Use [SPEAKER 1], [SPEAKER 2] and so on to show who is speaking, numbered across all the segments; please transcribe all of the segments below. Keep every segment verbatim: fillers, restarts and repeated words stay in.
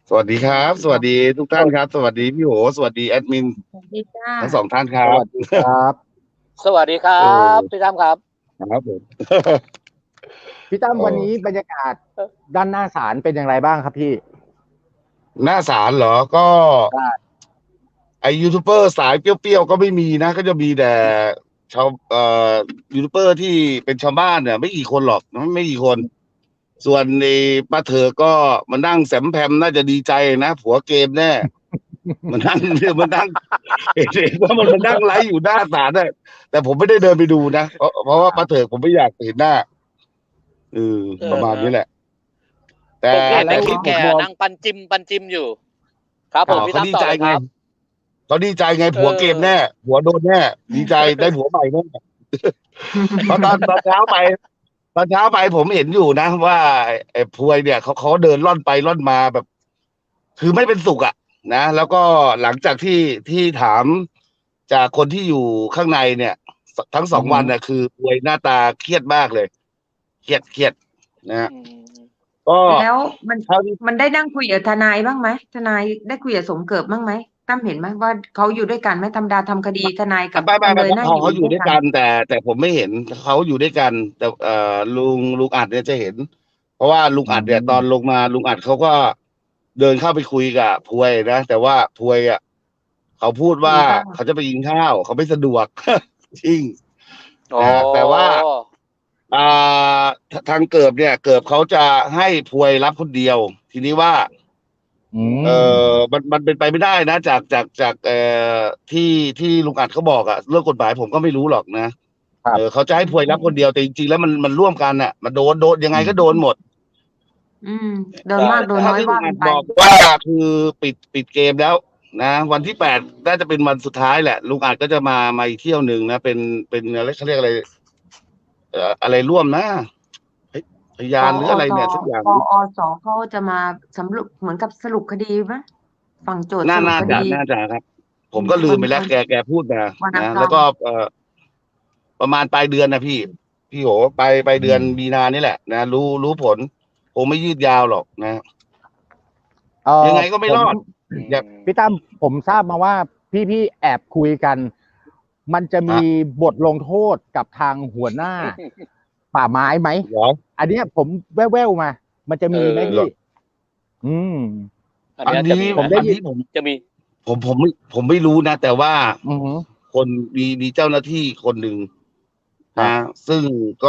[SPEAKER 1] สวัสดีครับสวัสดีทุกท่านครับสวัสดีพี่โหสวัสดีแอดมิน
[SPEAKER 2] สวัสดีจ้า
[SPEAKER 1] ทั้งสองท่านครั
[SPEAKER 3] ส
[SPEAKER 1] บ
[SPEAKER 3] วัสดีครับ
[SPEAKER 4] สวัสดีครั
[SPEAKER 1] เอ
[SPEAKER 4] บ
[SPEAKER 1] อ
[SPEAKER 4] พี่ตั้มครับ
[SPEAKER 1] ครับผม
[SPEAKER 3] พี่ตั้ม
[SPEAKER 1] เอ
[SPEAKER 3] วัน
[SPEAKER 1] อ
[SPEAKER 3] นี้บรรยากาศด้านหน้าศาลเป็นอย่างไรบ้างครับพี่
[SPEAKER 1] หน้าศาลเหรอก็ไอยูทูบเบอร์สายเปรี้ยวๆก็ไม่มีนะก็จะมีแต่ชาวเอ่อยูทูบเบอร์ที่เป็นชาวบ้านเนี่ยไม่กี่คนหรอกไม่กี่คน ส่วนในป้าเธอก็มานั่งแสมแพมน่าจะดีใจนะผัวเกมแน่มันนั่งมันนั่งเห็นว่ามันมันนั่งไลฟ์อยู่หน้าศาลน่ะแต่ผมไม่ได้เดินไปดูนะเพราะเพราะว่าป้าเถอผมไม่อยากเห็นหน้าเออ
[SPEAKER 4] เออ
[SPEAKER 1] ประมาณนี้แหละ แต่
[SPEAKER 4] ผมเห็น
[SPEAKER 1] แต่
[SPEAKER 4] ในค
[SPEAKER 1] ค
[SPEAKER 4] ลิ
[SPEAKER 1] ลิ
[SPEAKER 4] ป
[SPEAKER 1] ป
[SPEAKER 4] แก
[SPEAKER 1] ผมมอง
[SPEAKER 4] นั่งปันจิมปันจิมอยู่ ครับผม
[SPEAKER 1] ข่าว
[SPEAKER 4] พี่
[SPEAKER 1] เขา
[SPEAKER 4] ตั้ม
[SPEAKER 1] ดี
[SPEAKER 4] ต่อ
[SPEAKER 1] ใจ
[SPEAKER 4] เลยค
[SPEAKER 1] ไง
[SPEAKER 4] รับ
[SPEAKER 1] เขาดีใจไงผัวเกมแน่ผัวโดนแน่ดีใจได้ผัวใหม่แน่เพราะตอนตอนเช้าไป ตอนเช้าไปผมเห็นอยู่นะว่าไอ้ไอ้พวยเนี่ยเขาเขาเดินล่อนไปล่อนมาแบบ คือไม่เป็นสุขอ่ะนะแล้วก็หลังจากที่ที่ถามจากคนที่อยู่ข้างในเนี่ยสทั้งสองวันน่ะคือพวยหน้าตาเครียดมากเลยเครียดเครียดนะฮะก็
[SPEAKER 2] แล้วมัน
[SPEAKER 1] เท่าที่
[SPEAKER 2] มันได้นั่งคุยกับทนายบ้างไหมทนายได้คุยกับสมเกิดบ้างไหมตั้มเห็นไหมว่าเขาอยู่ด้วยกันไหมธรรมดาทำคดีทนายกับ
[SPEAKER 1] ไม่ไม่
[SPEAKER 2] จำเล
[SPEAKER 1] ไม่
[SPEAKER 2] ย
[SPEAKER 1] เขา
[SPEAKER 2] น่า
[SPEAKER 1] เขา
[SPEAKER 2] อยู่
[SPEAKER 1] เขาอยู่
[SPEAKER 2] ด้
[SPEAKER 1] ด้
[SPEAKER 2] ว
[SPEAKER 1] วย ย
[SPEAKER 2] กั
[SPEAKER 1] กัน นแต่แต่ผมไม่เห็นเขาอยู่ด้วยกัน แต่เอ่อลุงลุงอัดเนี่ยจะเห็น เพราะว่าลุงอัดเนี่ยตอนลงมาลุงอัดเขาก็เดินเข้าไปคุยกับพวยนะแต่ว่าพวยอ่ะเขาพูดว่าเขาจะไปกินข้าวเขาไม่สะดวก จริง
[SPEAKER 4] โอ้
[SPEAKER 1] นะแต่ว่า อ่าททางเกิบเนี่ยเกิบเขาจะให้พวยรับคนเดียว ทีนี้ว่า
[SPEAKER 3] อืม
[SPEAKER 1] เออมันมันเป็นไปไม่ได้นะ จากจากจากเอ่อที่ที่ลุงอัดเขาบอกอะเรื่องกฎหมายผมก็ไม่รู้หรอกนะครับ เออเขาจะให้พวยรับคนเดียวแต่จริงๆแล้วมันมันร่วมกันน่ะมันโดนโดนยังไงก็โดนหมด
[SPEAKER 2] อืมโดนมากโดน
[SPEAKER 1] เท่
[SPEAKER 2] น้อย
[SPEAKER 1] ที่ลุ
[SPEAKER 2] ว่าง กั
[SPEAKER 1] อั
[SPEAKER 2] น
[SPEAKER 1] ด
[SPEAKER 2] ไป
[SPEAKER 1] บอกว่าคือปิดปิดเกมแล้ว นะ วันที่แปดน่าจะเป็นวันสุดท้ายแหละลุงอัดก็จะมามาอีกเที่ยวหนึ่งนะเป็นเป็นอะไรเขาเรียกอะไรเอ่ออะไรร่วมนะเฮ้ยพยานหรืออะไรเนี่ยสักอย่าง
[SPEAKER 2] ปอสเขาจะมาสำรุปเหมือนกับสรุปคดีไหมฝั่งโจทย์ส
[SPEAKER 1] น่า
[SPEAKER 2] รุป
[SPEAKER 1] น่า
[SPEAKER 2] ค
[SPEAKER 1] จะ
[SPEAKER 2] ดี
[SPEAKER 1] น่าจะครับ ผมก็ลืมไปแล้ว
[SPEAKER 2] วัน
[SPEAKER 1] แกแกพูดมา
[SPEAKER 2] วันอัง
[SPEAKER 1] นะ
[SPEAKER 2] คาร
[SPEAKER 1] แล้วก็เอ่อประมาณปลายเดือนนะพี่ พี่โหไปไปลายเดือนมีนานี่แหละนะรู้รู้ผลคงไม่ยืดยาวหรอกนะ
[SPEAKER 3] เอ่อ
[SPEAKER 1] ยังไงก็ไม่รอด
[SPEAKER 3] ผม
[SPEAKER 1] อย่า
[SPEAKER 3] พี่ตั้มผมทราบมาว่าพี่พี่แอบคุยกัน มันจะมีบทลงโทษกับทางหัวหน้า ป่าไม้ไหม
[SPEAKER 1] เหรอ
[SPEAKER 3] อันเนี้ยผมแว่วๆมา มันจะมีไหม
[SPEAKER 1] เออเหร
[SPEAKER 3] พี่
[SPEAKER 1] อ
[SPEAKER 3] อืม
[SPEAKER 4] อัน
[SPEAKER 1] อัน
[SPEAKER 4] เนี้ยจะ
[SPEAKER 1] นี้
[SPEAKER 4] มีไห
[SPEAKER 1] ผม ม
[SPEAKER 3] ได้
[SPEAKER 1] อัน
[SPEAKER 3] ยิน
[SPEAKER 1] นี้ผม
[SPEAKER 4] จะมี
[SPEAKER 1] ผมผมไม่ผมไม่รู้นะ แต่ว่า
[SPEAKER 3] อือหือ
[SPEAKER 1] คนมีมีเจ้าหน้าที่คนหนึ่ง
[SPEAKER 3] ครั
[SPEAKER 1] นะ
[SPEAKER 3] บ
[SPEAKER 1] ซึ่งก็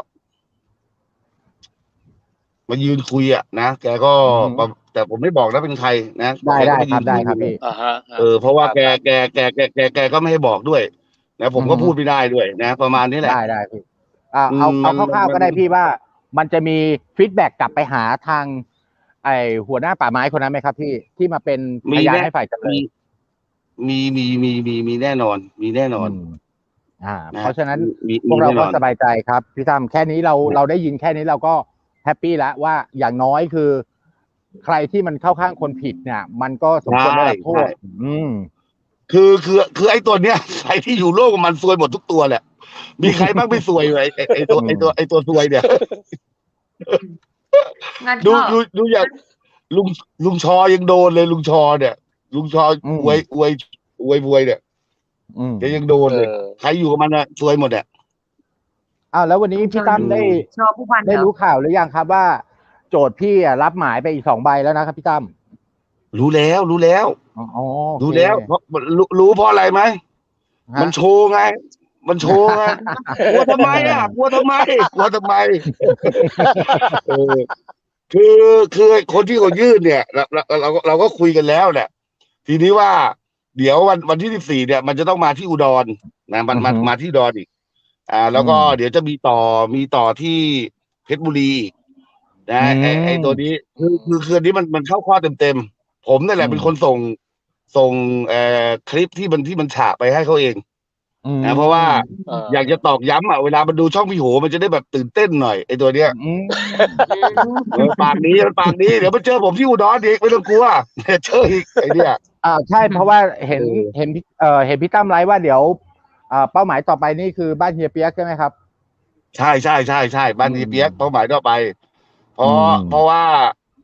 [SPEAKER 1] มายืนคุยอะนะแกก็
[SPEAKER 3] อือหือ
[SPEAKER 1] แต่ผมไม่บอกนะเป็นใครนะ
[SPEAKER 3] ได้
[SPEAKER 1] แก
[SPEAKER 3] ได้
[SPEAKER 1] ก็ป
[SPEAKER 3] ครับ
[SPEAKER 1] ยืน
[SPEAKER 3] ได้
[SPEAKER 1] ย
[SPEAKER 3] ครับพี่
[SPEAKER 4] อ่าฮะ
[SPEAKER 1] เออเพราะว่าแก
[SPEAKER 4] ครับ
[SPEAKER 1] แกแกแกแกแกก็ไม่ให้บอกด้วยนะผมก็
[SPEAKER 3] อือฮึ
[SPEAKER 1] พูดไม่ได้ด้วยนะ ประมาณนี้แหละ
[SPEAKER 3] ได้ได้พี่อ่า
[SPEAKER 1] อืม
[SPEAKER 3] เอาเอา
[SPEAKER 1] มัน
[SPEAKER 3] คร่าว
[SPEAKER 1] มัน
[SPEAKER 3] ๆก็ได้พี่ว่า มันจะมีฟีดแบ็กกลับไปหาทาง ไอหัวหน้าป่าไม้คนนั้นไหมครับพี่ที่มาเป็น
[SPEAKER 1] มี
[SPEAKER 3] พยาน
[SPEAKER 1] แน่
[SPEAKER 3] ให้ฝ่ายจำเล
[SPEAKER 1] มี
[SPEAKER 3] ย
[SPEAKER 1] มีมีมีมีมีแน่นอน มีแน่นอน
[SPEAKER 3] อืมอ่า
[SPEAKER 1] นะ
[SPEAKER 3] เพราะฉะนั้น
[SPEAKER 1] มี
[SPEAKER 3] พว
[SPEAKER 1] มี
[SPEAKER 3] กเรา
[SPEAKER 1] แน่น
[SPEAKER 3] ก็
[SPEAKER 1] อน
[SPEAKER 3] สบายใจครับพี่ตั้มแค่นี้เรา
[SPEAKER 1] ครับ
[SPEAKER 3] เราได้ยินแค่นี้เราก็แฮปปี้แล้วว่าอย่างน้อยคือ ใครที่มันเข้าข้างคนผิดเนี่ย มันก็สมควรได้รับโทษ
[SPEAKER 1] ใช่
[SPEAKER 3] อืม
[SPEAKER 1] คือคือคือไอ้ตัวเนี้ย ใครที่อยู่โลกกับมันซวยหมดทุกตัวแหละ มีใครบ้างไม่ซวยเลยไอ้ไอ้ตัวไอ้ตัวไอ้ตัวซวยเนี่ย
[SPEAKER 2] งั้น
[SPEAKER 1] ดู
[SPEAKER 2] ก็
[SPEAKER 1] ดูดูอย่างลุงลุงชอยังโดนเลยลุงชอเนี่ย ลุงชอ
[SPEAKER 3] อืม
[SPEAKER 1] อวยอวยอวยบวยเนี่ย
[SPEAKER 3] อืม
[SPEAKER 1] แกยังโดน
[SPEAKER 4] เอ
[SPEAKER 1] เลย
[SPEAKER 4] อ
[SPEAKER 1] ใครอยู่กับมันอะซวยหมดอะ
[SPEAKER 3] อ้าวแล้ววันนี้พี่ตั้มได้
[SPEAKER 2] ชอบผู้พัน
[SPEAKER 3] ได้
[SPEAKER 2] เหรอ
[SPEAKER 3] รู้ข่าวหรือยังครับว่า โจทย์พี่อะรับหมายไปอีกสองใบแล้วนะครับพี่ตั้ม
[SPEAKER 1] รู้แล้วรู้แล้ว
[SPEAKER 3] อ๋อโอเค
[SPEAKER 1] รู้แล้วเพราะรู้รู้เพราะอะไรไหม
[SPEAKER 3] ฮะ
[SPEAKER 1] มันโชว์ไง มันโชว์ไง กลัวทำไมอ่ะ กลัวทำไม กลัวทำไม เออ คือคือคนที่เขายื่นเนี่ยเราเราเราเราก็คุยกันแล้วแหละ ทีนี้ว่า เดี๋ยววันวันที่สิบสี่เนี่ย มันจะต้องมาที่อุดรนะมันมามาที่อุดรอีก อ่า แล้วก็เดี๋ยวจะมีต่อมีต่อที่เพชรบุรีนะไอไอตัวนี้คือคือคืนนี้มันมันเข้าข้อเต็มเต็มๆผมนั่นแหละเป็นคนส่งส่งเอ่อคลิปที่มันที่มันฉะไปให้เขาเอง
[SPEAKER 3] อืม
[SPEAKER 1] นะเพราะว่า
[SPEAKER 4] เออ
[SPEAKER 1] อยากจะตอกย้ำอ่ะเวลามันดูช่องพี่โหมันจะได้แบบตื่นเต้นหน่อยไอตัวเนี้ย
[SPEAKER 3] อืม
[SPEAKER 1] เออปากนี้มันปากนี้เดี๋ยวมันเจอผมที่อุดรอีกไม่ต้องกลัวเดี๋ยวเจออีกไอเนี่ย
[SPEAKER 3] อ่าใช่เพราะว่าเห็น
[SPEAKER 1] เออ
[SPEAKER 3] เห็นพี่เอ่อเห็นพี่ตั้มไลฟ์ว่าเดี๋ยวอ่าเป้าหมายต่อไปนี่คือบ้านเฮียเปียกใช่ไหมครับ
[SPEAKER 1] ใช่ใช่ใช่ใช่บ้าน
[SPEAKER 3] อืม
[SPEAKER 1] ดีเปียกเป้าหมายต่อไป เพราะ
[SPEAKER 3] อืม
[SPEAKER 1] เพราะว่า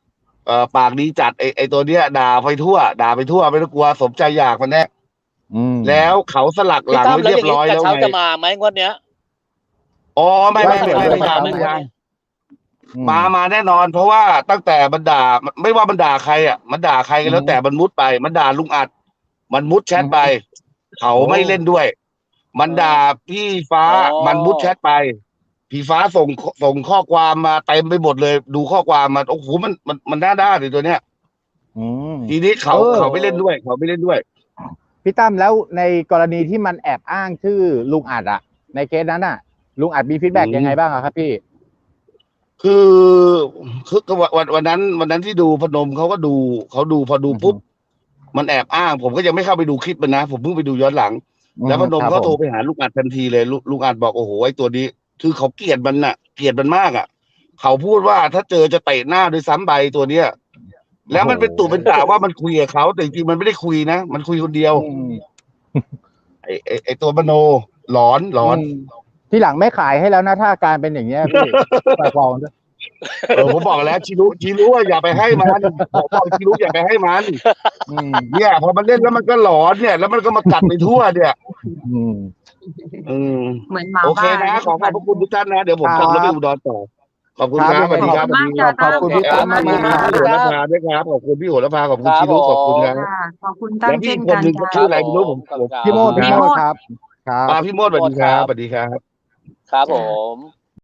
[SPEAKER 1] เอ่อปากดีจัดไอไอตัวเนี้ยด่าไปทั่ว ด่าไปทั่วไม่ต้องกลัวสมใจอยากมันแน่
[SPEAKER 3] อืม
[SPEAKER 1] แล้วเขาสลักห
[SPEAKER 4] พี่
[SPEAKER 1] ลัง
[SPEAKER 4] ตั้ม
[SPEAKER 1] ไว้
[SPEAKER 4] แล้ว
[SPEAKER 1] เรี
[SPEAKER 4] อย ย่าง
[SPEAKER 1] บร้
[SPEAKER 4] นี้
[SPEAKER 1] อย
[SPEAKER 4] กระ
[SPEAKER 1] แล้ว
[SPEAKER 4] เช้า
[SPEAKER 1] ไง
[SPEAKER 4] จะมาไหมงวดเนี้ย
[SPEAKER 1] อ๋อไม่ไม่ไม่
[SPEAKER 3] ไม่
[SPEAKER 1] ไม่
[SPEAKER 3] ไม่
[SPEAKER 1] ยัง
[SPEAKER 3] ไม่
[SPEAKER 1] ไม่ยัง
[SPEAKER 3] อื
[SPEAKER 1] มามาแน่นอน เพราะว่าตั้งแต่มันด่าไม่ว่ามันด่าใครอ่ะมันด่าใครก็แล้ว
[SPEAKER 3] อืม
[SPEAKER 1] แต่มันมุดไป มันด่าลุงอัด มันมุดแชทไป เขา
[SPEAKER 3] โอ้
[SPEAKER 1] ไม่เล่นด้วย มันด่าพี่ฟ้า
[SPEAKER 4] อ๋อ
[SPEAKER 1] มันมุดแชทไป พี่ฟ้าส่งส่งข้อความมาเต็มไปหมดเลย ดูข้อความมาโอ้โหมันมันมันน่าด้านเลยตัวเนี้ย
[SPEAKER 3] อืม
[SPEAKER 1] ทีนี้เขา
[SPEAKER 3] เออ
[SPEAKER 1] เขาไม่เล่นด้วย เขาไม่เล่นด้วย
[SPEAKER 3] พี่ตั้มแล้วในกรณีที่มันแอบอ้างชื่อลุงอัดอะในเคสนั้นอะลุงอัดมีฟีดแบ็ก
[SPEAKER 1] อืม
[SPEAKER 3] ยังไงบ้างอะครับพี่
[SPEAKER 1] คือคือก็วันวันวันนั้น วันนั้นที่ดูพนมเขาก็ดูเขาดูพอดูปุ๊บ มันแอบอ้าง ผมก็ยังไม่เข้าไปดูคลิปมันนะ ผมเพิ่งไปดูย้อนหลัง แล้วพนม
[SPEAKER 3] ครับ
[SPEAKER 1] เขาโทร
[SPEAKER 3] ผม
[SPEAKER 1] ไปหาลุงอัดทันทีเลยลุลุงอัดบอกโอ้โหไอ้ตัวนี้ คือเขาเกลียดมันน่ะ เกลียดมันมากอ่ะ เขาพูดว่าถ้าเจอจะเตะหน้าด้วยซ้ำใบตัวเนี้ย แล้วมันเป็นตุเป็นตาว่ามันคุยกับเขาแต่จริงๆมันไม่ได้คุยนะ มันคุยคนเดียว
[SPEAKER 3] อืม
[SPEAKER 1] ไอ้ไอ้ไอ้ตัวมโนหลอนหลอน
[SPEAKER 3] มที่หลังไม่ขายให้แล้วนะถ้าอาการเป็นอย่างเงี้ยพี่ ฝากบอกด้วย
[SPEAKER 1] เออผมบอกแล้วชิรุชิรุว่าอย่าไปให้มันผมบอกชิรุอย่าไปให้มัน
[SPEAKER 3] อืม
[SPEAKER 1] เนี่ยพอมันเล่นแล้วมันก็หลอนเนี่ย แล้วมันก็มากัดไปทั่วเนี่ย
[SPEAKER 3] อืม
[SPEAKER 1] อืม
[SPEAKER 2] เหมือนหมา
[SPEAKER 1] โอเค
[SPEAKER 2] บ้า
[SPEAKER 1] นะขอขอบพระคุณทุกท่านนะเดี๋ยวผม
[SPEAKER 3] ครับ
[SPEAKER 1] ขับรถไปอุดรต่อขอบคุณครับสวัสดีครับ
[SPEAKER 2] ขอบคุณมากจ้ะ
[SPEAKER 3] ขอบคุณพี่ตั้ม
[SPEAKER 1] ขอบคุณ
[SPEAKER 3] มากๆ
[SPEAKER 1] พี่โหระพาด้วยครับขอบคุณพี่โหระพาขอบคุณ
[SPEAKER 4] ครับ
[SPEAKER 1] ชิรุขอบคุณ
[SPEAKER 4] ผม
[SPEAKER 1] ครับ
[SPEAKER 2] ค่ะขอบคุณตั้ม
[SPEAKER 1] แล้วพี่
[SPEAKER 2] เช่น
[SPEAKER 1] คน
[SPEAKER 2] กัน
[SPEAKER 1] หนึ่งเขา
[SPEAKER 2] จ้ะ
[SPEAKER 1] ชื่ออะไรไม่รู้ผมผม
[SPEAKER 3] พี่โมด
[SPEAKER 1] ขอบ
[SPEAKER 3] พี่
[SPEAKER 1] คุณ
[SPEAKER 3] โม
[SPEAKER 1] ครับ
[SPEAKER 3] ดครับ ครับ
[SPEAKER 1] อ่าพี่โมดสวัสดีครับสวัสดีครับ
[SPEAKER 4] ครับผม